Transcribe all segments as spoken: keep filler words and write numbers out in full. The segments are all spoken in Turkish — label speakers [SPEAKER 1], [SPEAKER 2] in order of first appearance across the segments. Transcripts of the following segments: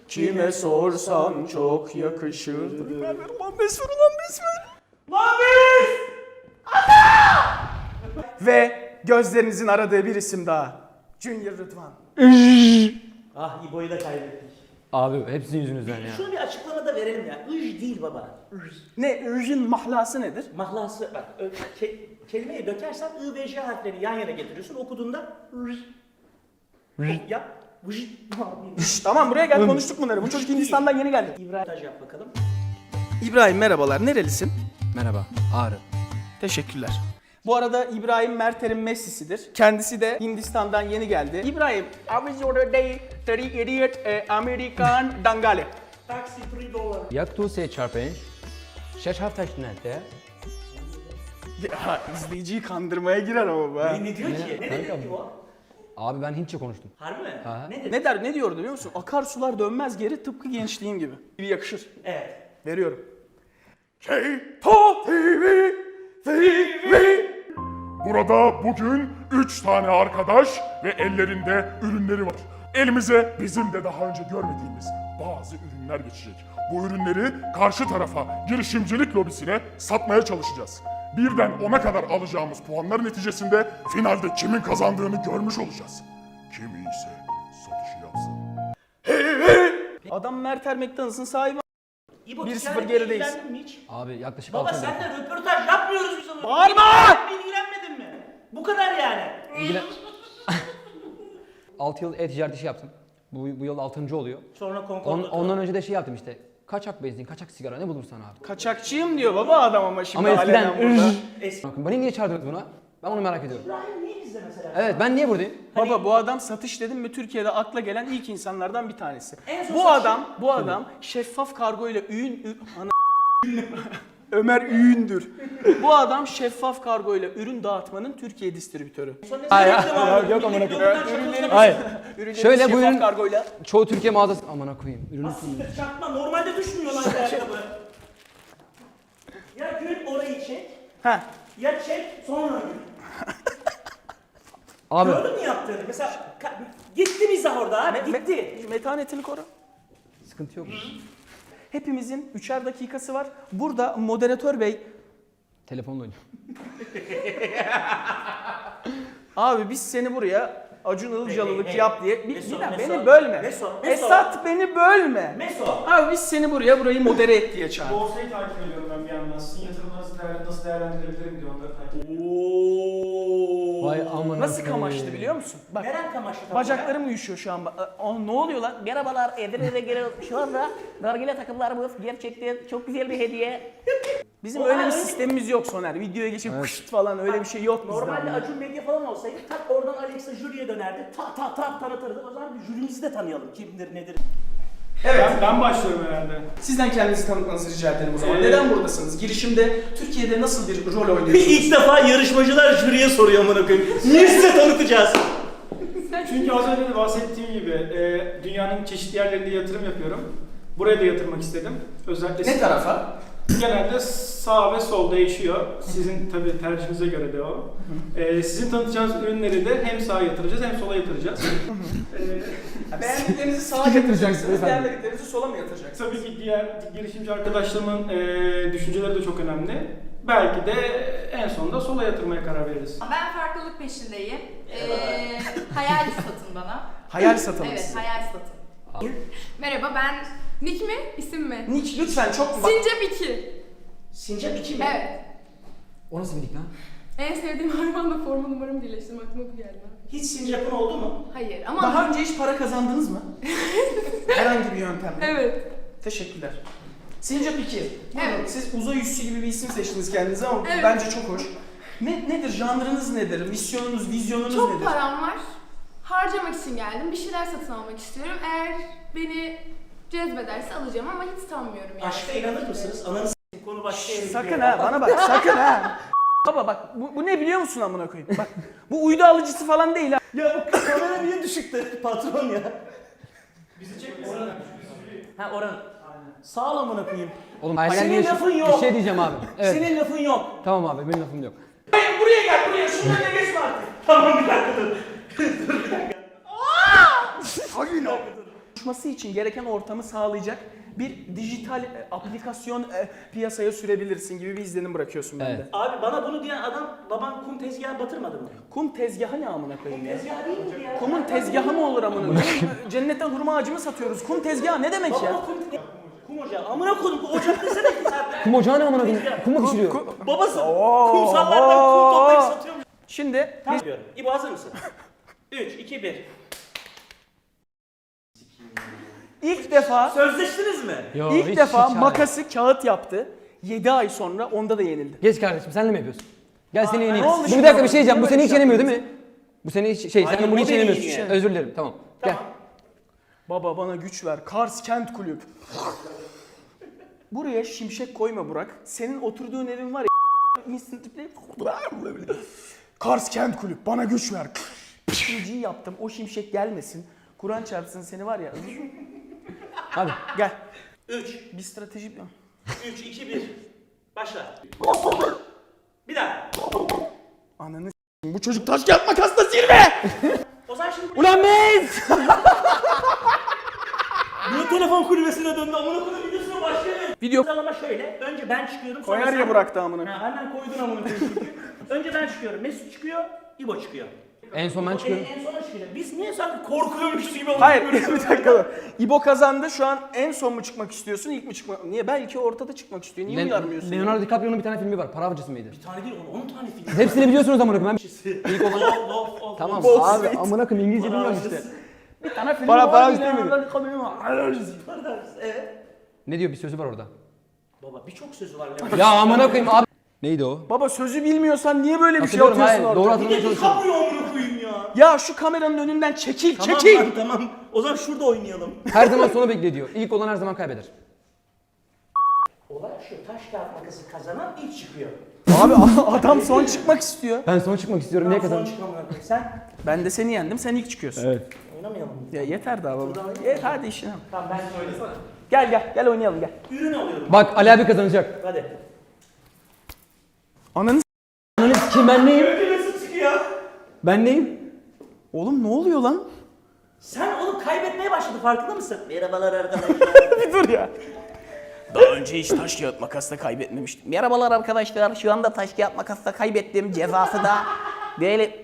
[SPEAKER 1] Kime sorsam çok yakışır. Ulan besmer ulan besmer. Lan biz! Ve gözlerinizin aradığı bir isim daha. Junior Rıdvan.
[SPEAKER 2] Ah İbo'yu da kaybettik.
[SPEAKER 3] Abi hepsinin yüzünüzden ya.
[SPEAKER 2] Şunu bir açıklama da verelim ya. Ij değil baba. Ij.
[SPEAKER 1] Ne? Ürjün mahlası nedir?
[SPEAKER 2] Mahlası bak ö- ke- kelimeyi dökersen I ve J harflerini yan yana getiriyorsun. Okuduğunda ij. Yap. Ij.
[SPEAKER 1] Şşş, tamam buraya gel konuştuk bunları. Bu çocuk Hindistan'dan yeni geldi.
[SPEAKER 2] İbrahim Taş yap bakalım.
[SPEAKER 1] İbrahim merhabalar. Nerelisin?
[SPEAKER 3] Merhaba, Ağrı.
[SPEAKER 1] Teşekkürler. Bu arada İbrahim Merter'in Messi'sidir. Kendisi de Hindistan'dan yeni geldi. İbrahim, I was your day, thirty idiot, eh, American Dangale.
[SPEAKER 2] Taksi üç dolar.
[SPEAKER 3] Jak tu se čerpeš? Šeš haftaşnete?
[SPEAKER 1] Ya izleyiciyi kandırmaya girer ama bu ha.
[SPEAKER 2] Ne, ne diyor ki? Ne dedi
[SPEAKER 3] Kanka,
[SPEAKER 2] ki o?
[SPEAKER 3] Abi ben Hintçe konuştum.
[SPEAKER 2] Harbi mi?
[SPEAKER 3] Ha.
[SPEAKER 2] Ne dedi?
[SPEAKER 1] Ne der, ne diyordu biliyor musun? Akarsular dönmez geri tıpkı gençliğim gibi. Bir yakışır.
[SPEAKER 2] Evet.
[SPEAKER 1] Veriyorum. K-Pop T V, T V.
[SPEAKER 4] Burada bugün üç tane arkadaş ve ellerinde ürünleri var. Elimize bizim de daha önce görmediğimiz bazı ürünler geçecek. Bu ürünleri karşı tarafa, girişimcilik lobisine satmaya çalışacağız. Birden ona kadar alacağımız puanlar neticesinde finalde kimin kazandığını görmüş olacağız. Kim iyiyse satışı yapsın.
[SPEAKER 1] Adam Merter McDonald's'ın sahibi.
[SPEAKER 2] İbo
[SPEAKER 1] bir sıfır
[SPEAKER 2] ticaretle
[SPEAKER 1] gerideyiz.
[SPEAKER 2] ilgilendin mi hiç?
[SPEAKER 3] Abi yaklaşık
[SPEAKER 2] Baba
[SPEAKER 3] altı yıl.
[SPEAKER 2] seninle röportaj yapmıyoruz biz ama.
[SPEAKER 1] Bağırma!
[SPEAKER 2] Sen ilgilenmedin mi? Bu kadar yani.
[SPEAKER 3] İlgilen... altı yıl e-ticaret işi yaptım. Bu, bu yıl altıncı oluyor.
[SPEAKER 2] Sonra
[SPEAKER 3] On,
[SPEAKER 2] konkorda.
[SPEAKER 3] ondan önce de şey yaptım işte. Kaçak benzin, kaçak sigara ne bulursan abi.
[SPEAKER 1] Kaçakçıyım diyor baba adam ama şimdi
[SPEAKER 3] Ama eskiden...
[SPEAKER 1] alenen burada.
[SPEAKER 2] Eski.
[SPEAKER 3] Beni niye çağırdınız buna? Ben onu merak ediyorum.
[SPEAKER 2] İbrahim niye bizde mesela?
[SPEAKER 3] Evet, ben niye buradayım?
[SPEAKER 1] Baba bu adam satış dedim mi Türkiye'de akla gelen ilk insanlardan bir tanesi.
[SPEAKER 2] En son
[SPEAKER 1] Bu
[SPEAKER 2] satış-
[SPEAKER 1] adam, bu adam şeffaf kargo ile ürün ür- ana Ömer Üğündür. Bu adam şeffaf kargo ile ürün dağıtmanın Türkiye distribütörü.
[SPEAKER 2] Sonra ne
[SPEAKER 3] Hayır,
[SPEAKER 2] reklam
[SPEAKER 3] hayır,
[SPEAKER 2] aldın?
[SPEAKER 3] yok amına
[SPEAKER 2] Millet
[SPEAKER 3] koyayım.
[SPEAKER 2] yoldan
[SPEAKER 1] Ürünleri-
[SPEAKER 2] çakılsın.
[SPEAKER 3] Hayır.
[SPEAKER 1] Ürünleri
[SPEAKER 3] Şöyle bu
[SPEAKER 1] şeffaf
[SPEAKER 3] ürün-
[SPEAKER 1] kargoyla.
[SPEAKER 3] Çoğu Türkiye mağazası... Amına koyayım. Ürünü
[SPEAKER 2] Aslında çakma normalde düşmüyor lan ayakkabı. Ya gül orayı çek,
[SPEAKER 1] Heh.
[SPEAKER 2] ya çek sonra gül.
[SPEAKER 3] Abi
[SPEAKER 2] Gördün mü yaptığını? Mesela ka- gitti mizah orada abi, gitti.
[SPEAKER 1] Metanetini koru.
[SPEAKER 3] sıkıntı yok.
[SPEAKER 1] Hepimizin üçer dakikası var. Burada moderatör bey,
[SPEAKER 3] Telefonla oynuyorum.
[SPEAKER 1] abi biz seni buraya Acun Ilıcalılık
[SPEAKER 2] hey, hey.
[SPEAKER 1] yap diye. Bir,
[SPEAKER 2] Meso,
[SPEAKER 1] bir dakika,
[SPEAKER 2] Meso,
[SPEAKER 1] beni bölme.
[SPEAKER 2] Meso, Meso.
[SPEAKER 1] Esat beni bölme.
[SPEAKER 2] Meso.
[SPEAKER 1] Abi biz seni buraya burayı modere et diye çağırdık.
[SPEAKER 5] Borsayı takip ediyorum ben bir yandan. Sizin yatırımları nasıl, değer, nasıl değerlendirebilirim diye onları takip ediyorum.
[SPEAKER 2] Ooo.
[SPEAKER 3] Vay amına
[SPEAKER 1] Nasıl
[SPEAKER 3] koyayım.
[SPEAKER 1] kamaştı biliyor musun? Bak
[SPEAKER 2] Neren kamaştı? tam
[SPEAKER 1] bacaklarım uyuşuyor şu an. Aa, ne oluyor lan?
[SPEAKER 6] Merhabalar, Edirne'de geliyoruz. Şu anda nargile takımlarımız gerçekten çok güzel bir hediye.
[SPEAKER 1] Bizim
[SPEAKER 2] O
[SPEAKER 1] öyle bir
[SPEAKER 2] öyle-
[SPEAKER 1] sistemimiz yok Soner. Videoya geçip kışt falan öyle bir şey yok bizde.
[SPEAKER 2] Normalde
[SPEAKER 1] ama.
[SPEAKER 2] Acun Medya falan olsaydı tak oradan Alexa jüriye dönerdi. Tak tak tak tanıtırdı. O zaman bir jürimizi de tanıyalım. Kimdir nedir?
[SPEAKER 1] Evet.
[SPEAKER 5] Ben, ben başlıyorum herhalde.
[SPEAKER 1] Sizden kendinizi tanıtmanızı rica ederim o zaman.
[SPEAKER 5] Ee,
[SPEAKER 1] Neden buradasınız? Girişimde Türkiye'de nasıl bir rol oynuyorsunuz?
[SPEAKER 2] İlk defa yarışmacılar jüriye soruyor amına koyayım. Niye size tanıtacağız?
[SPEAKER 5] Çünkü az önce de bahsettiğim gibi e, dünyanın çeşitli yerlerinde yatırım yapıyorum. Buraya da yatırmak istedim. Özellikle
[SPEAKER 1] Ne tarafa?
[SPEAKER 5] genelde sağ ve sol değişiyor. Sizin tabii tercihinize göre de o. E, sizin tanıtacağınız ürünleri de hem sağa yatıracağız hem sola yatıracağız. e,
[SPEAKER 1] Beğendiklerinizi sağa yatıracaksınız, beğenmediklerinizi sola mı yatıracaksınız?
[SPEAKER 5] Tabii ki diğer girişimci arkadaşlarımın e, düşünceleri de çok önemli. Belki de en sonunda sola yatırmaya karar veririz.
[SPEAKER 7] Ben farklılık peşindeyim. Ee, hayal satın bana.
[SPEAKER 1] Hayal satalım
[SPEAKER 7] Evet,
[SPEAKER 1] size.
[SPEAKER 7] hayal satın. Merhaba, ben Nick mi? İsim mi?
[SPEAKER 1] Nick lütfen çok bak.
[SPEAKER 7] Sincap iki.
[SPEAKER 2] Sincap iki mi?
[SPEAKER 7] Evet.
[SPEAKER 3] O nasıl bir nick lan?
[SPEAKER 7] En sevdiğim hayvanla forma numaramı birleştirdim. Aklıma bu geldi.
[SPEAKER 2] Hiç sincapın oldu mu?
[SPEAKER 7] Hayır ama...
[SPEAKER 1] Daha önce hiç para kazandınız mı? Herhangi bir yöntemle.
[SPEAKER 7] Evet.
[SPEAKER 1] Teşekkürler. Sincap iki. Buyurun,
[SPEAKER 7] Evet.
[SPEAKER 1] siz uzay üssü gibi bir isim seçtiniz kendinize ama
[SPEAKER 7] Evet.
[SPEAKER 1] bence çok hoş. Ne, nedir? Janrınız nedir? Misyonunuz, vizyonunuz
[SPEAKER 7] Çok
[SPEAKER 1] nedir?
[SPEAKER 7] param var. Harcamak için geldim. Bir şeyler satın almak istiyorum. Eğer beni cezbederse alacağım ama hiç sanmıyorum yani.
[SPEAKER 2] Aşka inanır mısınız? Ananı s**eyim, konu başka yere
[SPEAKER 1] Sakın
[SPEAKER 2] gidiyor.
[SPEAKER 1] ha bana bak sakın ha. Baba bak bu, bu ne biliyor musun amına koyayım? Bak bu uydu alıcısı falan değil ha.
[SPEAKER 2] Ya bu kamera niye düşüktü patron ya?
[SPEAKER 5] Bizi çekmesin.
[SPEAKER 2] Ha Orhan. Sağ ol amına koyayım.
[SPEAKER 3] Oğlum
[SPEAKER 2] Senin
[SPEAKER 3] hayalini
[SPEAKER 2] lafın
[SPEAKER 3] yaşa-
[SPEAKER 2] yok.
[SPEAKER 3] Bir şey diyeceğim abi. Evet.
[SPEAKER 2] Senin lafın yok.
[SPEAKER 3] Tamam abi benim lafım yok.
[SPEAKER 1] Hayır buraya gel buraya şunun önüne geçme artık.
[SPEAKER 2] Tamam bir dakika dur. dur bir dakika.
[SPEAKER 1] Hayır konuşması için gereken ortamı sağlayacak bir dijital e, aplikasyon e, piyasaya sürebilirsin gibi bir izlenim bırakıyorsun bende.
[SPEAKER 3] Evet.
[SPEAKER 2] Abi bana bunu diyen adam baban kum tezgahı batırmadı mı?
[SPEAKER 1] Kum tezgahı ne amına koyayım ya?
[SPEAKER 2] Tezgah değil miydi ya?
[SPEAKER 1] Kumun tezgahı mı olur amına koyayım? Cennetten hurma ağacı mı satıyoruz? Kum tezgahı ne demek ya?
[SPEAKER 2] Baba kum te- Kum ocağı. Amına koydum. Ocak desene ki sen.
[SPEAKER 3] Kum ocağı ne amına koyayım? Kum mu pişiriyor?
[SPEAKER 2] Babası kumsallardan kum toplayıp satıyormuş.
[SPEAKER 1] Şimdi
[SPEAKER 2] Tamam diyorum. İbo hazır mısın? üç, iki, bir.
[SPEAKER 1] ilk defa
[SPEAKER 2] Sözleştiniz mi?
[SPEAKER 3] Yo,
[SPEAKER 1] ilk
[SPEAKER 3] hiç-
[SPEAKER 1] defa
[SPEAKER 3] hiç
[SPEAKER 1] makası kağıt yaptı. yedi ay sonra onda da yenildi.
[SPEAKER 3] Geç kardeşim sen de mi yapıyorsun? Gel seni yeneyim.
[SPEAKER 1] ne oldu
[SPEAKER 3] Bu
[SPEAKER 1] şimdi
[SPEAKER 3] bir dakika bir
[SPEAKER 1] ama?
[SPEAKER 3] şey diyeceğim. Bu
[SPEAKER 1] Niye
[SPEAKER 3] seni
[SPEAKER 1] böyle
[SPEAKER 3] hiç
[SPEAKER 1] şey
[SPEAKER 3] yenemiyor değil mi? Bu seni hiç şey
[SPEAKER 2] Hayır,
[SPEAKER 3] sen bunu
[SPEAKER 2] o
[SPEAKER 3] hiç
[SPEAKER 2] beni
[SPEAKER 3] yenemiyorsun.
[SPEAKER 2] yeniyor.
[SPEAKER 3] Özür dilerim tamam. Gel.
[SPEAKER 2] Tamam.
[SPEAKER 1] Baba bana güç ver. Kars Kent Kulüp. Buraya şimşek koyma Burak. Senin oturduğun evin var ya. Instantly. Kars Kent Kulüp bana güç ver. İkinciyi yaptım. O şimşek gelmesin. Kur'an çarpsın seni var ya.
[SPEAKER 3] Hadi.
[SPEAKER 1] Gel.
[SPEAKER 2] üç,
[SPEAKER 1] Bir strateji.
[SPEAKER 2] üç, iki, bir. Başla. Bir daha.
[SPEAKER 1] Ananı s**eyim, bu çocuk taş kağıt makasla zirve.
[SPEAKER 2] O zaman şimdi
[SPEAKER 3] Ulan biz!
[SPEAKER 2] niye telefon kulübesine döndü? Amına koyduğum videosuna başlayalım.
[SPEAKER 1] Video
[SPEAKER 2] Sıralama şöyle. Önce ben çıkıyorum. sonra
[SPEAKER 1] koyar
[SPEAKER 2] sen-
[SPEAKER 1] ya Burak da amına.
[SPEAKER 2] Ha, hemen koydun amına koyayım çünkü. Önce ben çıkıyorum. Mesut çıkıyor. İbo çıkıyor.
[SPEAKER 3] En son ben çıkıyorum.
[SPEAKER 2] En, en sona çıkıyor. Biz niye sanki korkuyormuşuz gibi
[SPEAKER 1] Hayır bir dakika dur. İbo kazandı şu an en son mu çıkmak istiyorsun ilk mi çıkmak? Niye? Belki ortada çıkmak istiyor. Niye
[SPEAKER 3] Len-
[SPEAKER 1] uyarmıyorsun? ya?
[SPEAKER 3] Leonardo DiCaprio'nun bir tane filmi var. Para avcısı mıydı?
[SPEAKER 2] Bir tane değil, on tane film.
[SPEAKER 3] Hepsini biliyorsunuz amına koyayım. Ben-
[SPEAKER 2] İlk olan. Of, of, of.
[SPEAKER 3] Tamam
[SPEAKER 1] Wall
[SPEAKER 3] abi
[SPEAKER 1] Street.
[SPEAKER 3] amına koyayım İngilizce bilmiyorum işte.
[SPEAKER 1] Bir tane film
[SPEAKER 3] Para-
[SPEAKER 1] var,
[SPEAKER 3] para
[SPEAKER 1] bir
[SPEAKER 3] istemiyorum.
[SPEAKER 1] tane-
[SPEAKER 2] Evet.
[SPEAKER 3] Ne diyor bir sözü var orada.
[SPEAKER 2] Baba birçok sözü var.
[SPEAKER 3] Ya amına koyayım abi. Neydi o?
[SPEAKER 1] Baba sözü bilmiyorsan niye böyle bir şey
[SPEAKER 3] Hatırlıyorum
[SPEAKER 1] atıyorsun
[SPEAKER 3] hayır.
[SPEAKER 1] ortaya?
[SPEAKER 3] Doğru
[SPEAKER 2] Bir
[SPEAKER 3] hatırlamaya
[SPEAKER 2] de
[SPEAKER 3] çalışıyorum.
[SPEAKER 2] DiCaprio amına koyayım ya.
[SPEAKER 1] Ya şu kameranın önünden çekil,
[SPEAKER 2] Tamam
[SPEAKER 1] çekil.
[SPEAKER 2] lan, tamam. O zaman şurada oynayalım.
[SPEAKER 3] Her zaman sonu bekle diyor. İlk olan her zaman kaybeder.
[SPEAKER 2] Olay şu, taş kağıt makası kazanan ilk çıkıyor.
[SPEAKER 1] Abi adam son çıkmak istiyor.
[SPEAKER 3] Ben son çıkmak istiyorum. Niye
[SPEAKER 2] Son
[SPEAKER 3] kazandım?
[SPEAKER 2] çıkan amına koyayım. Sen
[SPEAKER 1] Ben de seni yendim, sen ilk çıkıyorsun.
[SPEAKER 3] Evet.
[SPEAKER 2] oynamayalım mı?
[SPEAKER 1] Ya yeter daha baba. Ye, hadi işine. bak.
[SPEAKER 2] Tamam ben söylesene.
[SPEAKER 1] Gel gel, gel oynayalım gel.
[SPEAKER 2] Ürün alıyorum.
[SPEAKER 3] Bak Ali abi kazanacak.
[SPEAKER 2] Hadi.
[SPEAKER 1] Ananı s-
[SPEAKER 3] Ananı sikeyim ben neyim?
[SPEAKER 2] Önce Mesut çıkıyor.
[SPEAKER 3] Ben neyim?
[SPEAKER 1] Oğlum ne oluyor lan?
[SPEAKER 2] Sen onu kaybetmeye başladı, farkında mısın? Merhabalar arkadaşlar.
[SPEAKER 1] Bir dur ya. Daha önce hiç taş kağıt makasla kaybetmemiştim.
[SPEAKER 6] Merhabalar arkadaşlar. Şu anda taş kağıt makasla kaybettim. Cezası da böyle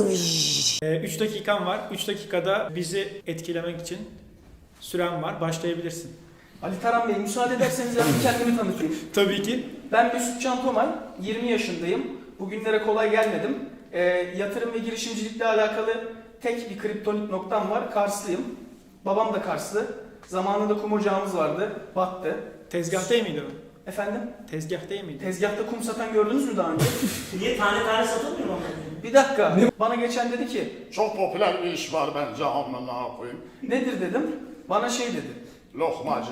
[SPEAKER 5] üç dakikan var. üç dakikada bizi etkilemek için süren var. Başlayabilirsin.
[SPEAKER 1] Ali Taran Bey müsaade ederseniz ben bir kendimi tanıtayım.
[SPEAKER 5] Tabii ki.
[SPEAKER 1] Ben Mesut Can Tomay, yirmi yaşındayım. Bugünlere kolay gelmedim. Ee, yatırım ve girişimcilikle alakalı tek bir kriptonit noktam var. Karslıyım. Babam da Karslı. Zamanında kum ocağımız vardı. Battı.
[SPEAKER 5] Tezgah değil miydi o?
[SPEAKER 1] Efendim?
[SPEAKER 5] Tezgah değil miydi?
[SPEAKER 1] Tezgahta kum satan gördünüz mü daha önce?
[SPEAKER 2] Niye tane tane satılmıyor mu?
[SPEAKER 1] Bir dakika. Bana geçen dedi ki,
[SPEAKER 4] Çok popüler bir iş var bence amına koyayım.
[SPEAKER 1] nedir dedim. Bana şey dedi.
[SPEAKER 4] Lokmacı.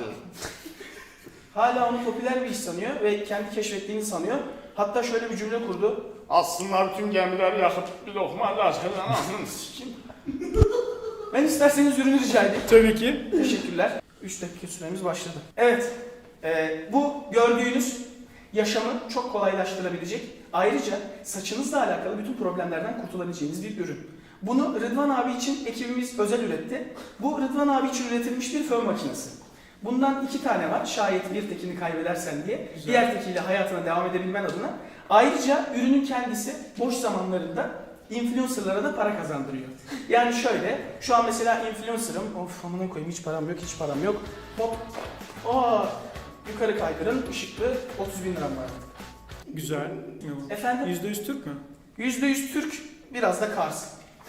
[SPEAKER 1] Hala onu popüler bir iş sanıyor ve kendi keşfettiğini sanıyor. Hatta şöyle bir cümle kurdu.
[SPEAKER 4] Aslında bütün gemiler yakıp bir lokmacı açacağım. Anasını sikeyim.
[SPEAKER 1] Ben isterseniz ürünü rica edeyim.
[SPEAKER 5] Tabii ki.
[SPEAKER 1] Teşekkürler. üç dakika süremiz başladı. Evet, e, bu gördüğünüz yaşamı çok kolaylaştırabilecek, ayrıca saçınızla alakalı bütün problemlerden kurtulabileceğiniz bir ürün. Bunu Rıdvan abi için ekibimiz özel üretti. Bu Rıdvan abi için üretilmiş bir fön makinesi. Bundan iki tane var, şayet bir tekini kaybedersen diye.
[SPEAKER 5] Güzel.
[SPEAKER 1] Diğer tekiyle hayatına devam edebilmen adına. Ayrıca ürünün kendisi boş zamanlarında influencerlara da para kazandırıyor. Yani şöyle, şu an mesela influencer'ım, of amına koyayım hiç param yok, hiç param yok. Hop, aa, yukarı kaydırın, ışıklı, otuz bin liram var.
[SPEAKER 5] Güzel.
[SPEAKER 1] Efendim?
[SPEAKER 5] yüzde yüz Türk mü?
[SPEAKER 1] yüzde yüz Türk, biraz da Kars.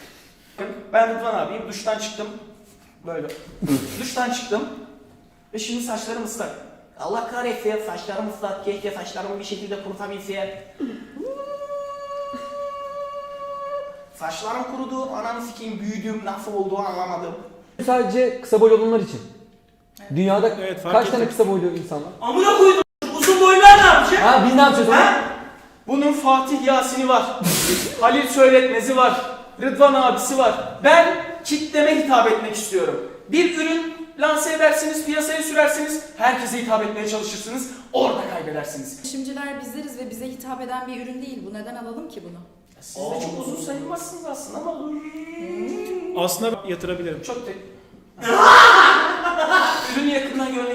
[SPEAKER 1] Ben Rıdvan abiyim, duştan çıktım. Böyle. Duştan çıktım. Ve şimdi saçlarım ıslak.
[SPEAKER 6] Allah kahretsin saçlarım ıslak. Keşke saçlarımı bir şekilde kurutabilsem.
[SPEAKER 1] Saçlarım kurudu, ananı sikeyim büyüdüm, nasıl olduğu anlamadım.
[SPEAKER 3] Sadece kısa boylu olanlar için. Dünyada
[SPEAKER 5] Evet, fark
[SPEAKER 3] kaç tane
[SPEAKER 5] ettim.
[SPEAKER 3] kısa boylu insan var?
[SPEAKER 2] Amına koydum. Uzun boylular ne yapacak?
[SPEAKER 3] Ha biz ne yapacağız onu?
[SPEAKER 2] Ha?
[SPEAKER 1] Bunun Fatih Yasin'i var, Halil Söyletmez'i var, Rıdvan abisi var. Ben kitleme hitap etmek istiyorum. Bir ürün lanse edersiniz, piyasaya sürersiniz, herkese hitap etmeye çalışırsınız, orada kaybedersiniz.
[SPEAKER 8] Girişimciler bizleriz ve bize hitap eden bir ürün değil bu. Neden alalım ki bunu?
[SPEAKER 1] Siz de çok uzun sayılmazsınız aslında ama
[SPEAKER 5] Aslında yatırabilirim.
[SPEAKER 1] çok te...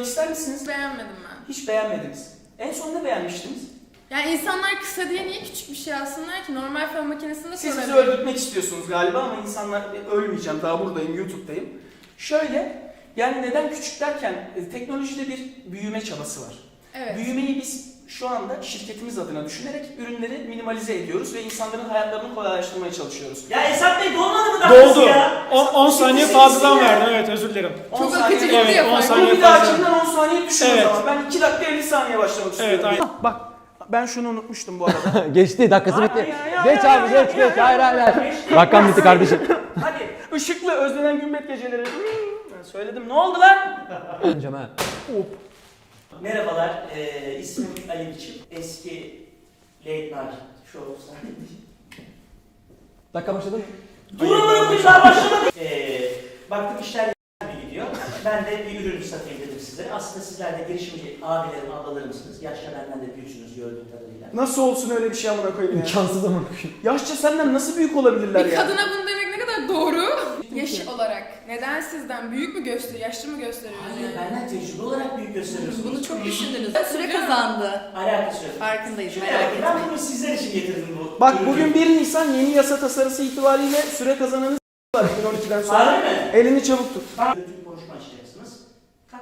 [SPEAKER 1] ister misiniz?
[SPEAKER 7] Hiç beğenmedim ben.
[SPEAKER 1] Hiç beğenmediniz. En son ne beğenmiştiniz?
[SPEAKER 7] Yani insanlar kısa diye niye küçük bir şey alsınlar ki? Normal fön makinesinde
[SPEAKER 1] Siz bizi
[SPEAKER 7] sorabilirim.
[SPEAKER 1] öldürtmek istiyorsunuz galiba ama insanlar ölmeyeceğim, daha buradayım, YouTube'dayım. Şöyle, yani neden küçük derken e, teknolojide bir büyüme çabası var.
[SPEAKER 7] Evet.
[SPEAKER 1] Büyümeyi biz şu anda şirketimiz adına düşünerek ürünleri minimalize ediyoruz ve insanların hayatlarını kolaylaştırmaya çalışıyoruz.
[SPEAKER 2] Ya Esat Bey dolmadı mı dakikası
[SPEAKER 5] Doldu.
[SPEAKER 2] ya?
[SPEAKER 5] on saniye
[SPEAKER 2] Bitirsin
[SPEAKER 5] fazladan
[SPEAKER 2] ya.
[SPEAKER 5] verdim. Evet, özür dilerim.
[SPEAKER 1] on
[SPEAKER 7] Çok
[SPEAKER 1] saniye-
[SPEAKER 7] akıcı
[SPEAKER 5] Evet,
[SPEAKER 7] gidiyor
[SPEAKER 5] on
[SPEAKER 7] falan.
[SPEAKER 5] saniye
[SPEAKER 1] Bunu bir
[SPEAKER 5] fazla.
[SPEAKER 1] dahakinden on saniye düşün
[SPEAKER 5] Evet.
[SPEAKER 1] o zaman. Ben iki dakika elli saniye başlamak istiyorum.
[SPEAKER 5] aynen.
[SPEAKER 1] Ah, bak, ben şunu unutmuştum bu arada.
[SPEAKER 3] Geçti, dakikası bitti.
[SPEAKER 1] Ay, ay, ay,
[SPEAKER 3] Geç
[SPEAKER 1] ay,
[SPEAKER 3] abi,
[SPEAKER 1] ay,
[SPEAKER 3] geç
[SPEAKER 1] ay,
[SPEAKER 3] geç.
[SPEAKER 1] ay,
[SPEAKER 3] Hayır hayır hayır.
[SPEAKER 2] Geçti.
[SPEAKER 3] Dakikam bitti kardeşim.
[SPEAKER 1] Hadi, ışıklı özlenen gümbet geceleri. Ben söyledim, ne oldu lan?
[SPEAKER 3] Önce ha.
[SPEAKER 2] Merhabalar, ee, ismim Ali Biçim. Eski Late Night Show sahibi.
[SPEAKER 3] Dakika başladı mı?
[SPEAKER 2] Durun durun daha başlamadı. Ee, baktım işler gibi gidiyor. Ben de bir ürün satayım dedim size. Aslında sizler de girişimci abilerim, ablalarımsınız. Yaşça benden de büyüksünüz gördüğüm kadarıyla.
[SPEAKER 1] Nasıl olsun öyle bir şey amına koyayım ya?
[SPEAKER 3] İmkansız ama.
[SPEAKER 1] Yaşça senden nasıl büyük olabilirler
[SPEAKER 7] Bir
[SPEAKER 1] ya?
[SPEAKER 7] kadına bunu demek ne kadar doğru? Yaş olarak. Neden sizden büyük mü gösteriyor, yaşlı mı gösteriyor?
[SPEAKER 2] Hayır, benden tecrübe olarak büyük gösteriyorsunuz.
[SPEAKER 8] Bunu çok düşündünüz. Süre kazandı.
[SPEAKER 2] Alakası yok.
[SPEAKER 8] Farkındayız.
[SPEAKER 2] Şöyle
[SPEAKER 8] Merak
[SPEAKER 2] bakın, ben
[SPEAKER 8] etmeyin.
[SPEAKER 2] bunu sizler için getirdim bu.
[SPEAKER 1] Bak
[SPEAKER 2] ürünü.
[SPEAKER 1] bugün bir Nisan yeni yasa tasarısı itibariyle süre kazananı var iki bin on ikiden sonra.
[SPEAKER 2] Harbi mi?
[SPEAKER 1] Elini çabuk tut.
[SPEAKER 2] Kötü konuşma açacaksınız. Tak.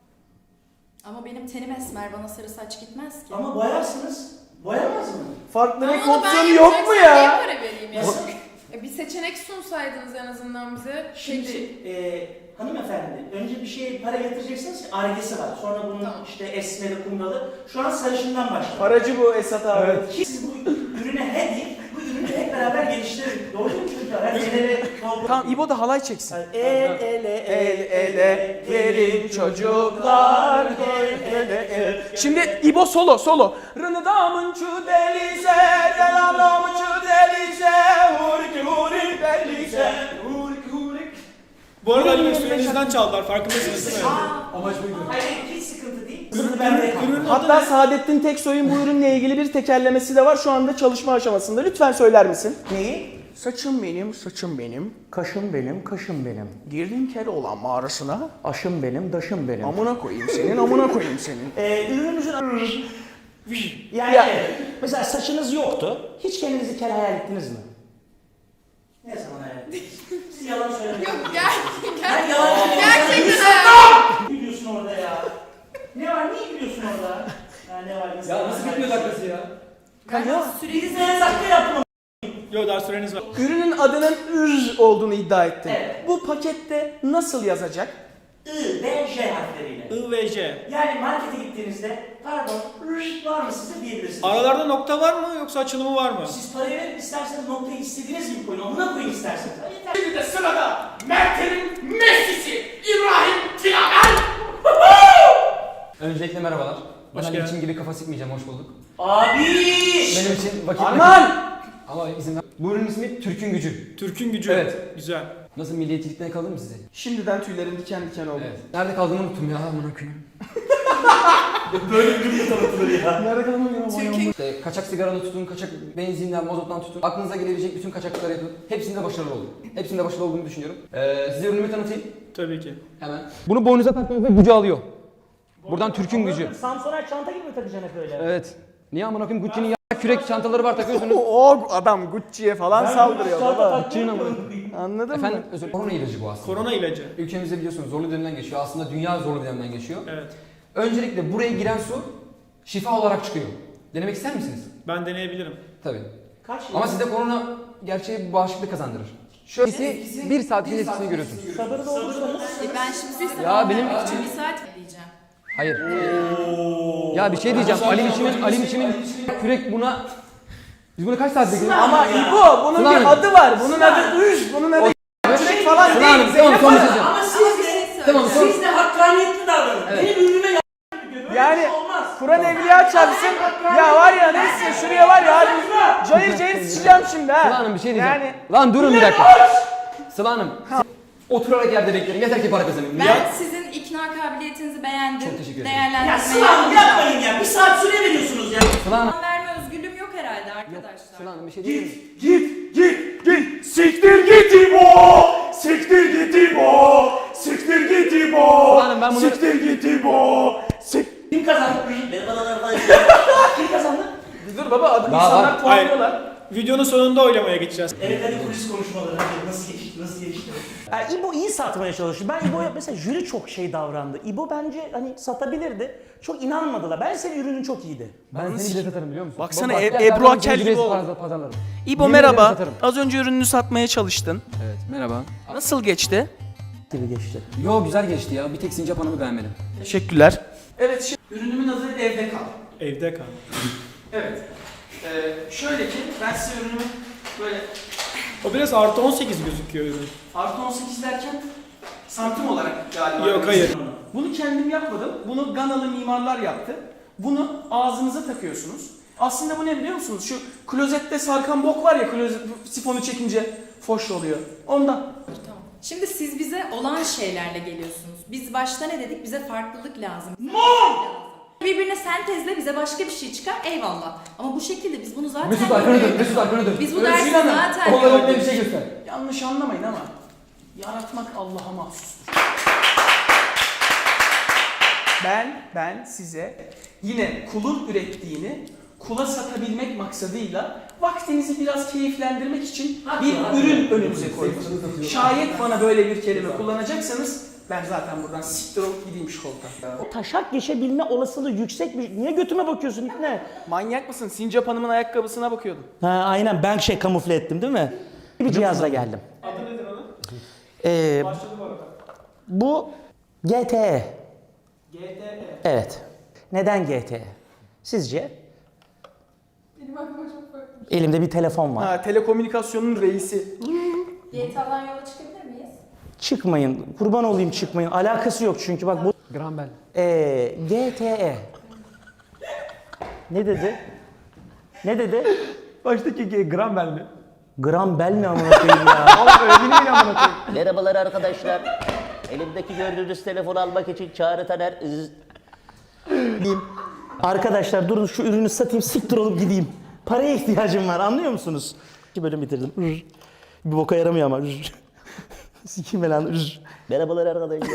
[SPEAKER 8] Ama benim tenim esmer, bana sarı saç gitmez ki.
[SPEAKER 2] Ama boyarsınız. Boyamaz mı?
[SPEAKER 1] Farklı
[SPEAKER 7] Ama
[SPEAKER 1] renk
[SPEAKER 7] onu ben
[SPEAKER 1] opsiyonu yok mu
[SPEAKER 7] yapacaksam niye
[SPEAKER 1] ya?
[SPEAKER 7] para vereyim ya?
[SPEAKER 2] Nasıl?
[SPEAKER 7] E, bir seçenek sunsaydınız en azından bize.
[SPEAKER 2] Şimdi
[SPEAKER 7] Peki.
[SPEAKER 2] e, hanımefendi, önce bir şeye para yatıracaksınız ki argesi var. Sonra bunun
[SPEAKER 7] Tamam.
[SPEAKER 2] işte esmeri, kumralı. Şu an sarışından başlıyor.
[SPEAKER 1] Paracı bu Esat abi.
[SPEAKER 2] Ki siz bu ürüne he deyin, bu ürünü hep beraber geliştirin. Doğru mu çocuklar? Hadi el ele, kol
[SPEAKER 1] Tamam İbo da halay çeksin.
[SPEAKER 2] El ele,
[SPEAKER 1] El ele verin çocuklar, el ele el. Şimdi İbo solo solo. Rınıdamın çu delize, delamlamın çu delize, hurik hurik delize, hurik hurik.
[SPEAKER 5] Bu arada Ali Bey sürenizden çaldılar. Farkındasınız değil mi?
[SPEAKER 3] Amaç buydu.
[SPEAKER 2] Hayır, hiç sıkıntı değil. Sırrı bende kaldı.
[SPEAKER 1] Hatta Saadettin Teksoy'un bu ürünle ilgili bir tekerlemesi de var. Şu anda çalışma aşamasında. Lütfen söyler misin?
[SPEAKER 2] Neyi?
[SPEAKER 1] Saçım benim, saçım benim.
[SPEAKER 2] Kaşım benim, kaşım benim.
[SPEAKER 1] Girdim Keloğlan mağarasına.
[SPEAKER 2] Aşım benim, daşım benim.
[SPEAKER 1] Amına koyayım senin, amına koyayım senin.
[SPEAKER 2] Ee, ürünümüzün yani
[SPEAKER 1] Ya.
[SPEAKER 2] mesela saçınız yoktu. Hiç kendinizi kel hayal ettiniz mi? Ne zaman hayal ettiniz? Siz yalan söylemiyorsunuz.
[SPEAKER 7] Yok ger
[SPEAKER 2] Ben
[SPEAKER 7] ger
[SPEAKER 2] yalan söylüyorum.
[SPEAKER 7] gerçekten ha.
[SPEAKER 2] Ne gülüyorsun orada ya? Ne var? Niye gülüyorsun orada? Ya ne var?
[SPEAKER 3] Ya nasıl bitmiyor dakikası ya?
[SPEAKER 1] Ya.
[SPEAKER 2] Süreniz ne dakika yapın.
[SPEAKER 5] Yok, daha süreniz var.
[SPEAKER 1] Ürünün adının ür olduğunu iddia ettin.
[SPEAKER 2] Evet.
[SPEAKER 1] Bu pakette nasıl yazacak?
[SPEAKER 2] I ve J harfleriyle.
[SPEAKER 5] I ve J.
[SPEAKER 2] Yani markete gittiğinizde pardon rş var mı size diyebilirsiniz.
[SPEAKER 5] Aralarda nokta var mı yoksa açılımı var mı?
[SPEAKER 2] Siz parayı verin isterseniz noktayı istediğiniz gibi koyun. Amına koyun isterseniz. Ha, yeter.
[SPEAKER 1] Şimdi de sırada Mert'in Messi'si İbrahim Tilaver.
[SPEAKER 3] Öncelikle merhabalar. Ben
[SPEAKER 5] Hoş
[SPEAKER 3] Ali
[SPEAKER 5] geldin.
[SPEAKER 3] için gibi kafa sıkmayacağım, hoş bulduk.
[SPEAKER 2] Abi!
[SPEAKER 3] Benim için vakit...
[SPEAKER 1] Aman!
[SPEAKER 3] Ama izin ver. Bu ürünün ismi Türk'ün Gücü.
[SPEAKER 5] Türk'ün gücü.
[SPEAKER 3] Evet.
[SPEAKER 5] Güzel.
[SPEAKER 3] Nasıl milliyetçilikten yakaladım mı sizi?
[SPEAKER 1] Şimdiden tüylerim diken diken oldu.
[SPEAKER 3] Evet. Nerede kaldığımı unuttum ya, amına koyayım.
[SPEAKER 2] Böyle bir ürün tanıtılır ya.
[SPEAKER 1] Nerede kalmam ya?
[SPEAKER 3] İşte kaçak sigaradan tutun, kaçak benzinden, mazottan tutun. Aklınıza gelebilecek bütün kaçaklıkları yapın. Hepsinde başarılı olun. Hepsinde başarılı olduğumu düşünüyorum. Ee, size ürünümü tanıtayım.
[SPEAKER 5] Tabii ki.
[SPEAKER 3] Hemen. Bunu boynunuza takmanızda gücü alıyor. Buradan Türk'ün gücü.
[SPEAKER 2] Samsoner çanta gibi mi takacaksın hep öyle?
[SPEAKER 3] Evet. Niye amına koyayım? Gucci'nin ya kürek çantaları var takıyorsunuz.
[SPEAKER 1] O adam Gucci'ye falan saldırıyor baba.
[SPEAKER 2] Gucci'nin ama.
[SPEAKER 1] Anladın
[SPEAKER 3] Efendim
[SPEAKER 1] mı?
[SPEAKER 3] özür dilerim. Korona ilacı bu aslında.
[SPEAKER 5] Korona ilacı.
[SPEAKER 3] Ülkemizde biliyorsunuz zorlu dönemden geçiyor. Aslında dünya zorlu dönemden geçiyor.
[SPEAKER 5] Evet.
[SPEAKER 3] Öncelikle buraya giren su şifa olarak çıkıyor. Denemek ister misiniz?
[SPEAKER 5] Ben deneyebilirim.
[SPEAKER 3] Tabii.
[SPEAKER 2] Kaç yıl?
[SPEAKER 3] Ama sizde korona gerçeği bir bağışıklık kazandırır. Şöyle bir saatin etkisini görüyorsunuz.
[SPEAKER 2] Sabırlı olursanız.
[SPEAKER 8] E ben şimdi size
[SPEAKER 3] Ya benim-
[SPEAKER 8] için bir saat diyeceğim.
[SPEAKER 3] Hayır. Ya bir şey diyeceğim. Ali biçimin, Ali biçimin kürek buna... Biz bunu kaç saat bekliyoruz?
[SPEAKER 1] Ama İbo bunun
[SPEAKER 3] Sıla
[SPEAKER 1] bir
[SPEAKER 3] Hanım.
[SPEAKER 1] adı var. Bunun adı üz. Bunun adı kürek falan
[SPEAKER 3] Sıla
[SPEAKER 1] değil.
[SPEAKER 3] Hanım, tamam
[SPEAKER 1] Zeynep
[SPEAKER 3] son
[SPEAKER 1] Hanım.
[SPEAKER 3] söyleyeceğim.
[SPEAKER 2] Ama siz de,
[SPEAKER 3] Tamam son.
[SPEAKER 2] siz de hakkaniyetli davranın.
[SPEAKER 3] Evet.
[SPEAKER 2] Benim ürünüme y*** gibi görüyor. Böyle
[SPEAKER 1] Yani
[SPEAKER 2] bir şey olmaz.
[SPEAKER 1] Kur'an evliya çarpsın. Ya var ya neyse şuraya var ya. Abi, cayır cayır sıçacağım şimdi ha.
[SPEAKER 3] Sıla Hanım bir şey diyeceğim.
[SPEAKER 1] Yani
[SPEAKER 3] Lan durun bir dakika. Sıla Hanım. Oturarak yerde beklerim. Yeter ki para kazanayım.
[SPEAKER 8] Ben
[SPEAKER 3] Ya.
[SPEAKER 8] sizin ikna kabiliyetinizi beğendim.
[SPEAKER 3] Çok teşekkür ederim.
[SPEAKER 2] Ya
[SPEAKER 8] Değerlendirmeye
[SPEAKER 2] Sıla Hanım
[SPEAKER 8] alacağım.
[SPEAKER 2] yapmayın ya. Bir saat süre veriyorsunuz ya.
[SPEAKER 3] Sıla Hanım.
[SPEAKER 8] Puan verme özgürlüğüm yok herhalde arkadaşlar.
[SPEAKER 3] Sıla Hanım bir şey diyeyim mi?
[SPEAKER 4] Git, git, git. Siktir git İbo. Siktir git İbo.
[SPEAKER 1] Siktir git İbo!
[SPEAKER 3] Ulan ben bunları-
[SPEAKER 1] Siktir git İbo! Sik...
[SPEAKER 2] Kim kazandı? Merhabalar arkadaşlar. Kim kazandı?
[SPEAKER 1] Dur baba adam
[SPEAKER 3] Daha
[SPEAKER 1] insanlar
[SPEAKER 3] var.
[SPEAKER 1] puanlıyorlar.
[SPEAKER 5] Videonun sonunda oylamaya geçeceğiz.
[SPEAKER 2] Evet hadi kulis konuşmaları. Hadi nasıl geçti? Nasıl geçti? Yani İbo iyi satmaya çalışıyor. Ben İbo'ya mesela jüri çok şey davrandı. İbo bence hani satabilirdi. Çok inanmadılar. Ben senin ürünün çok iyiydi.
[SPEAKER 3] Ben seni bile satarım biliyor musun?
[SPEAKER 1] Baksana,
[SPEAKER 3] Bak,
[SPEAKER 1] E-
[SPEAKER 3] gel,
[SPEAKER 1] Ebru
[SPEAKER 3] ben
[SPEAKER 1] Akel
[SPEAKER 3] seni
[SPEAKER 1] gibi
[SPEAKER 3] ücretsiz
[SPEAKER 1] oldu.
[SPEAKER 3] pazar- pazarlarım.
[SPEAKER 1] İbo
[SPEAKER 3] Yemin ederim
[SPEAKER 1] merhaba.
[SPEAKER 3] satarım.
[SPEAKER 1] Az önce ürününü satmaya çalıştın.
[SPEAKER 3] Evet merhaba.
[SPEAKER 1] Nasıl geçti?
[SPEAKER 2] Gibi geçti.
[SPEAKER 3] Yo güzel geçti ya. Bir tek Sincap Hanım'ı beğenmedim.
[SPEAKER 1] Teşekkürler. Evet şimdi ürünümün adı Evde Kal.
[SPEAKER 5] Evde kal.
[SPEAKER 1] Evet. Ee, şöyle ki ben size ürünümü böyle
[SPEAKER 5] O biraz artı on sekiz gözüküyor ürün.
[SPEAKER 1] artı on sekiz derken santim olarak galiba.
[SPEAKER 5] Yok hayır.
[SPEAKER 1] Bunu kendim yapmadım. Bunu Ganalı mimarlar yaptı. Bunu ağzınıza takıyorsunuz. Aslında bu ne biliyor musunuz? Şu klozette sarkan bok var ya, klozet sifonu çekince foş oluyor. Ondan.
[SPEAKER 8] Tamam. Şimdi siz bize olan şeylerle geliyorsunuz. Biz başta ne dedik? Bize farklılık lazım. Birbirine sentezle bize başka bir şey çıkar, eyvallah. Ama bu şekilde biz bunu zaten
[SPEAKER 3] Mesut arkana dön. Mesut arkana dön.
[SPEAKER 8] Biz bu
[SPEAKER 1] Özgür
[SPEAKER 8] dersi
[SPEAKER 1] Hanım,
[SPEAKER 8] zaten
[SPEAKER 3] Onlara
[SPEAKER 8] gördük.
[SPEAKER 3] bir şey göster.
[SPEAKER 1] Yanlış anlamayın ama yaratmak Allah'a mahsustur. Ben, ben size yine kulun ürettiğini kula satabilmek maksadıyla vaktinizi biraz keyiflendirmek için bir ürün önünüze koydum. Şayet bana böyle bir kelime kullanacaksanız ben zaten buradan siktir olup gideyim şu koltuğa.
[SPEAKER 2] O taşak geçebilme olasılığı yüksek bir... Niye götüme bakıyorsun ne?
[SPEAKER 1] Manyak mısın? Sincap Hanım'ın ayakkabısına bakıyordum.
[SPEAKER 2] Ha aynen ben şey kamufle ettim değil mi? Bir cihazla geldim.
[SPEAKER 5] Adı nedir onun?
[SPEAKER 2] Ee,
[SPEAKER 5] Başladı bu arada.
[SPEAKER 2] bu G T E.
[SPEAKER 5] G T E.
[SPEAKER 2] Evet. Neden G T E? Sizce?
[SPEAKER 7] Benim aklıma çok farklı.
[SPEAKER 2] Elimde bir telefon var.
[SPEAKER 1] Ha, telekomünikasyonun reisi.
[SPEAKER 8] G T A'dan yola çıkabilir miyiz?
[SPEAKER 2] Çıkmayın. Kurban olayım çıkmayın. Alakası yok çünkü bak bu...
[SPEAKER 3] Gram bel.
[SPEAKER 2] Ee, G T E. Ne dedi? Ne dedi?
[SPEAKER 3] Baştaki gram bel mi?
[SPEAKER 2] Gram bel mi amına koyayım ya?
[SPEAKER 6] Merhabalar arkadaşlar. Elimdeki gördüğünüz telefonu almak için Çağrı Taner. ız-
[SPEAKER 2] Diyeyim. Arkadaşlar durun şu ürünü satayım siktir olup gideyim. Paraya ihtiyacım var anlıyor musunuz? İki bölüm bitirdim. Rrr. Bir boka yaramıyor ama. Rrr. Sikeyim ben lan. Rrr.
[SPEAKER 6] Merhabalar arkadaşlar.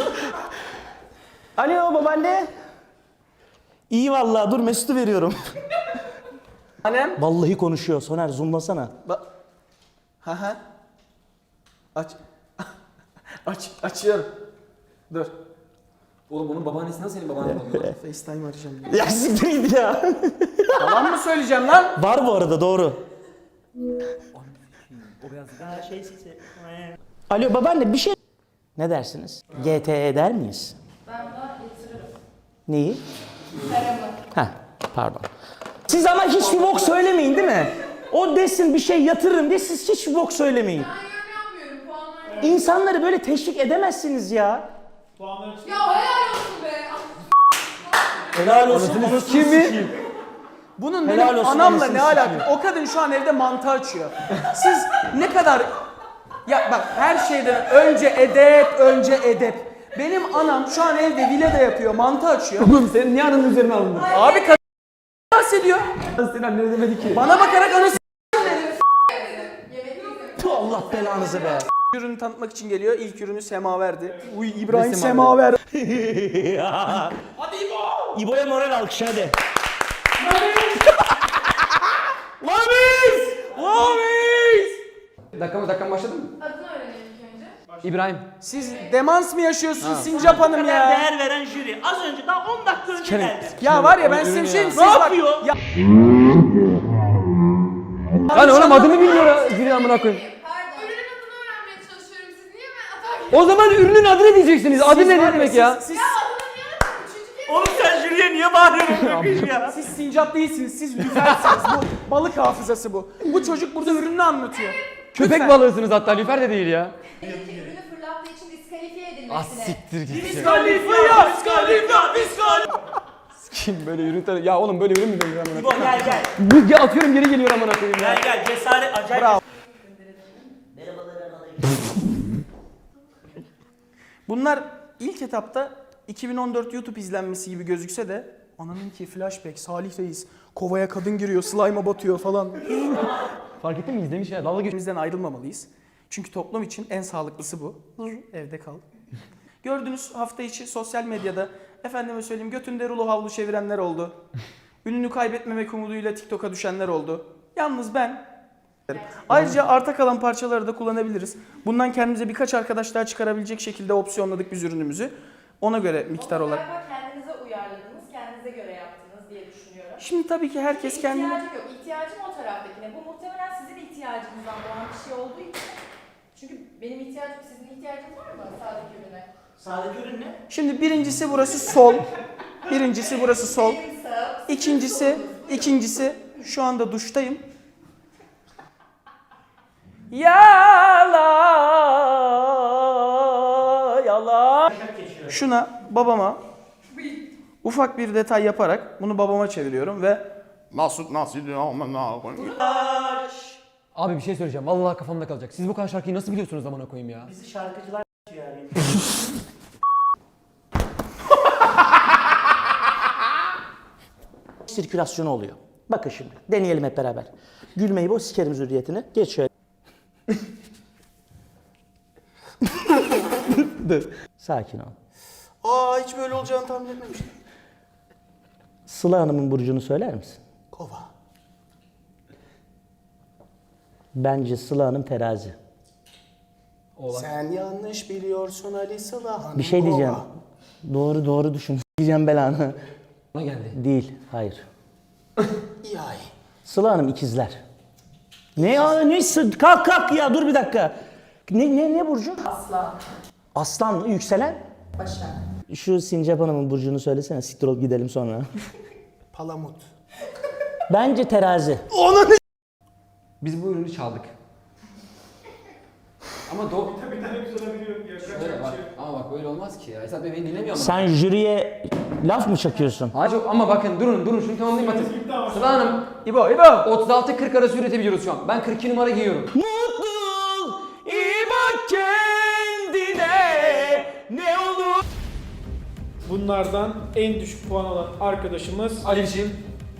[SPEAKER 2] Alo babaanne. İyi vallahi dur Mesut'u veriyorum.
[SPEAKER 1] Annem.
[SPEAKER 2] Vallahi konuşuyor. Soner zoomlasana.
[SPEAKER 1] Ba ha ha. Aç. Aç. Açıyorum. Dur.
[SPEAKER 3] Oğlum onun babaannesi nasıl senin babaannen oluyor lan?
[SPEAKER 1] FaceTime arayacağım.
[SPEAKER 2] Ya siktir git ya.
[SPEAKER 1] Yalan mı söyleyeceğim lan?
[SPEAKER 2] Var bu arada doğru. Ha, şey, sesi. Alo babaanne bir şey... Ne dersiniz? G T E der miyiz?
[SPEAKER 8] Ben buna yatırırım.
[SPEAKER 2] Neyi?
[SPEAKER 8] Paramı.
[SPEAKER 2] Ha pardon. Siz ama hiçbir bok söylemeyin değil mi? O desin bir şey yatırırım diye siz hiçbir bok söylemeyin.
[SPEAKER 7] Ben yorum yapmıyorum. Puanlar.
[SPEAKER 2] İnsanları böyle teşvik edemezsiniz ya.
[SPEAKER 5] Puanları çık.
[SPEAKER 7] Ya helal olsun be.
[SPEAKER 2] Helal olsun.
[SPEAKER 1] Kimi? Bunun
[SPEAKER 2] Helal
[SPEAKER 1] benim
[SPEAKER 2] olsun,
[SPEAKER 1] anamla
[SPEAKER 2] anasını
[SPEAKER 1] ne alakası? O kadın şu an evde mantı açıyor. Siz ne kadar... Ya bak her şeyden önce edep, önce edep. Benim anam şu an evde villada yapıyor, mantı açıyor.
[SPEAKER 3] Oğlum senin niye ananın üzerine alındın?
[SPEAKER 1] Abi kadın bahsediyor.
[SPEAKER 3] Senin annen demedi ki.
[SPEAKER 1] Bana bakarak anası...
[SPEAKER 2] Tu Allah belanızı be.
[SPEAKER 1] Ürünü tanıtmak için geliyor. İlk ürünü Semaver'di. Uy İbrahim
[SPEAKER 3] Ne
[SPEAKER 1] Semaver.
[SPEAKER 2] Hadi İbo. İbo'ya moral alkış hadi.
[SPEAKER 1] Lamis! Lamis!
[SPEAKER 3] Dakika mı dakika başladı mı?
[SPEAKER 7] Adını öğrenelim ilk önce.
[SPEAKER 3] İbrahim.
[SPEAKER 1] Siz demans mı yaşıyorsunuz Sincap Hanım ya?
[SPEAKER 2] Değer veren jüri. Az önce daha on dakika önce geldi.
[SPEAKER 1] Ya var ya ben size bir şey diyeyim.
[SPEAKER 2] Ne
[SPEAKER 1] Siz bak-
[SPEAKER 2] yapıyor?
[SPEAKER 1] Ya
[SPEAKER 3] Lan oğlum adını bilmiyor ha. Zili amına koyayım.
[SPEAKER 7] Pardon. Ürünün adını öğrenmeye çalışıyorum. Siz niye ben atar
[SPEAKER 3] O zaman ürünün adını diyeceksiniz. Adı
[SPEAKER 1] siz
[SPEAKER 3] ne
[SPEAKER 1] var ya,
[SPEAKER 3] demek
[SPEAKER 1] siz-
[SPEAKER 3] ya?
[SPEAKER 1] Siz,
[SPEAKER 7] Ya adını niye atarım? Üçüncü kez.
[SPEAKER 2] Oğlum sen jüriye niye bağırıyorsun ya?
[SPEAKER 1] siz Sincap değilsiniz. Siz lüfersiniz. Bu balık hafızası bu. Bu çocuk burada ürününü anlatıyor.
[SPEAKER 3] Köpek
[SPEAKER 1] Lütfen.
[SPEAKER 3] balığısınız hatta. Lüfer de değil ya.
[SPEAKER 8] Ürünü fırlattığı için diskalifiye
[SPEAKER 3] Ah
[SPEAKER 8] edilmesine.
[SPEAKER 3] siktir git. ya.
[SPEAKER 1] Kalifiya, kalifiya, kalifiya.
[SPEAKER 3] Kim böyle ürün tanı... Ya oğlum böyle ürün mü denir amına
[SPEAKER 2] İbo
[SPEAKER 3] koyayım?
[SPEAKER 2] gel gel.
[SPEAKER 3] Bu ya atıyorum geri geliyor amına koyayım ya.
[SPEAKER 2] Gel gel cesaret acayip.
[SPEAKER 1] Bravo.
[SPEAKER 6] Merhabalar arkadaşlar.
[SPEAKER 1] Bunlar ilk etapta iki bin on dört YouTube izlenmesi gibi gözükse de ananın ki flashback, Salih Reis, kovaya kadın giriyor, slime'a batıyor falan.
[SPEAKER 3] Fark ettin mi? İzlemiş ya. Dalga geç.
[SPEAKER 1] Bizden ayrılmamalıyız. Çünkü toplum için en sağlıklısı bu. Evde kal. Gördüğünüz hafta içi sosyal medyada efendime söyleyeyim götünde rulo havlu çevirenler oldu. Ününü kaybetmemek umuduyla TikTok'a düşenler oldu. Yalnız ben ayrıca arta kalan parçaları da kullanabiliriz. Bundan kendimize birkaç arkadaş daha çıkarabilecek şekilde opsiyonladık biz ürünümüzü. Ona göre miktar olarak.
[SPEAKER 8] Galiba kendinize uyarladınız, kendinize göre yaptınız diye düşünüyorum.
[SPEAKER 1] Şimdi tabii ki herkes kendine...
[SPEAKER 8] İhtiyacım yok. İhtiyacım o taraftakine. Bu muhtemelen sizin ihtiyacınızdan doğan bir şey olduğu için. Çünkü benim ihtiyacım, sizin ihtiyacınız var mı sağdaki ürüne?
[SPEAKER 2] Sağdaki ürün ne?
[SPEAKER 1] Şimdi birincisi burası sol. Birincisi burası sol.
[SPEAKER 8] Benim sağ,
[SPEAKER 1] İkincisi, ikincisi şu anda duştayım. Yala yala. Şuna babama ufak bir detay yaparak bunu babama çeviriyorum ve
[SPEAKER 4] Nasıl nasıl
[SPEAKER 3] Abi bir şey söyleyeceğim. Vallahi kafamda kalacak. Siz bu kadar şarkıyı nasıl biliyorsunuz zamana koyayım ya?
[SPEAKER 2] Bizi şarkıcılar yani. Sirkülasyonu oluyor. Bakın şimdi deneyelim hep beraber. Gülmeyi boz sikerim zürriyetini. Geç şöyle. Dur. Sakin ol.
[SPEAKER 1] aa hiç böyle olacağını tahmin etmemiştim.
[SPEAKER 2] Sıla Hanım'ın burcunu söyler misin?
[SPEAKER 1] Kova.
[SPEAKER 2] Bence Sıla Hanım terazi.
[SPEAKER 1] Sen yanlış biliyorsun Ali Sıla Hanım.
[SPEAKER 2] Bir şey diyeceğim. Doğru doğru düşün. Diyeceğim belanı.
[SPEAKER 3] Bana geldi.
[SPEAKER 2] Değil. Hayır.
[SPEAKER 1] Yay.
[SPEAKER 2] Sıla Hanım ikizler. Ne ya? Ne? sı- Kalk kalk ya dur bir dakika. Ne ne ne burcu?
[SPEAKER 8] asla,
[SPEAKER 2] Aslan mı? Yükselen?
[SPEAKER 8] başak.
[SPEAKER 2] Şu Sincap Hanım'ın burcunu söylesene. Siktir ol gidelim sonra.
[SPEAKER 1] Palamut.
[SPEAKER 2] Bence terazi.
[SPEAKER 3] Biz bu ürünü çaldık. Ama do...
[SPEAKER 5] Bir tane güzel olabiliyor.
[SPEAKER 3] Şöyle bak. Ama bak böyle olmaz ki ya. Esat Bey beni dinlemiyor mu?
[SPEAKER 2] Sen jüriye laf mı çakıyorsun?
[SPEAKER 3] Hayır yok ama bakın durun durun şunu tamamlayayım
[SPEAKER 5] Süreniz
[SPEAKER 3] Batı.
[SPEAKER 5] bitti ama.
[SPEAKER 3] Sıla Hanım
[SPEAKER 1] İbo İbo.
[SPEAKER 3] otuz altı kırk arası üretebiliyoruz şu an. Ben kırk iki numara giyiyorum.
[SPEAKER 2] Mutlu ol, iyi bak kendine. Ne olur?
[SPEAKER 5] Bunlardan en düşük puan alan arkadaşımız
[SPEAKER 3] Alişim.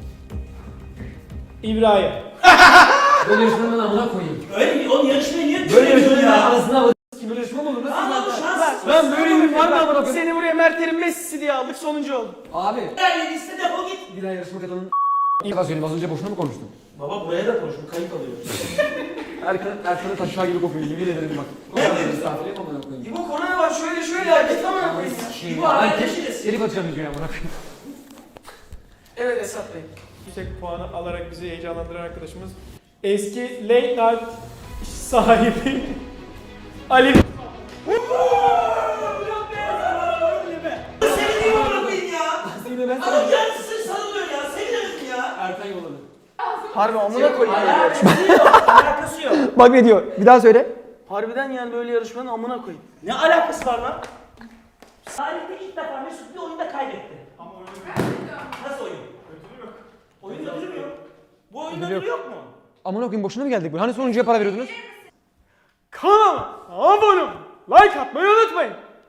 [SPEAKER 5] İbrahim.
[SPEAKER 3] Böyle yarışmanın amına koyayım.
[SPEAKER 2] Öyle oğlum yarışmayı niye
[SPEAKER 3] Böyle yarışmanın arasına bak. Kim böyle yarışma mı olur? Nasıl zaten? Ben böyle ürün var mı amına koyayım?
[SPEAKER 1] Seni buraya Mertlerin Messi'si diye aldık sonuncu oldun.
[SPEAKER 3] Abi.
[SPEAKER 2] Yani liste defol git.
[SPEAKER 3] Bir daha yarışma kadının İlk defa söyleyeyim az önce boşuna mı konuştum?
[SPEAKER 2] Baba buraya da konuş, bu kayıt alıyor.
[SPEAKER 3] Erkan, Erkan'ın taşağı gibi kokuyor yemin ederim bak. O kadar misafir et amına koyayım.
[SPEAKER 1] İbo korona var şöyle şöyle hareket amına koyayım ya.
[SPEAKER 2] İbo arkadaşıyız.
[SPEAKER 3] Geri bakacağım videoya amına koyayım.
[SPEAKER 1] Evet Esat Bey.
[SPEAKER 5] Yüksek puanı alarak bizi heyecanlandıran arkadaşımız eski late night sahibi Ali.
[SPEAKER 2] Seni niye bana koyayım ya?
[SPEAKER 3] Yine ben
[SPEAKER 2] Adam kendisi sarılıyor ya, seviyorsun ya.
[SPEAKER 3] Erkan yolladı.
[SPEAKER 1] Harbi amına koyayım.
[SPEAKER 2] Alakası yok, alakası yok.
[SPEAKER 3] Bak ne diyor? Bir daha söyle.
[SPEAKER 1] Harbiden yani böyle yarışmanın amına koyayım.
[SPEAKER 2] Ne alakası var lan? Tarihte ilk defa Mesut bir oyunda kaybetti.
[SPEAKER 5] Ama öyle
[SPEAKER 2] Nasıl oyun?
[SPEAKER 5] ödülü yok.
[SPEAKER 2] Oyun ödülü mü yok? Bu oyun
[SPEAKER 3] Ödülü
[SPEAKER 2] ödülü yok mu?
[SPEAKER 3] Amına koyayım boşuna mı geldik buraya? Hani sonuncuya para veriyordunuz?
[SPEAKER 5] Kanalıma abone olun, like atmayı unutmayın.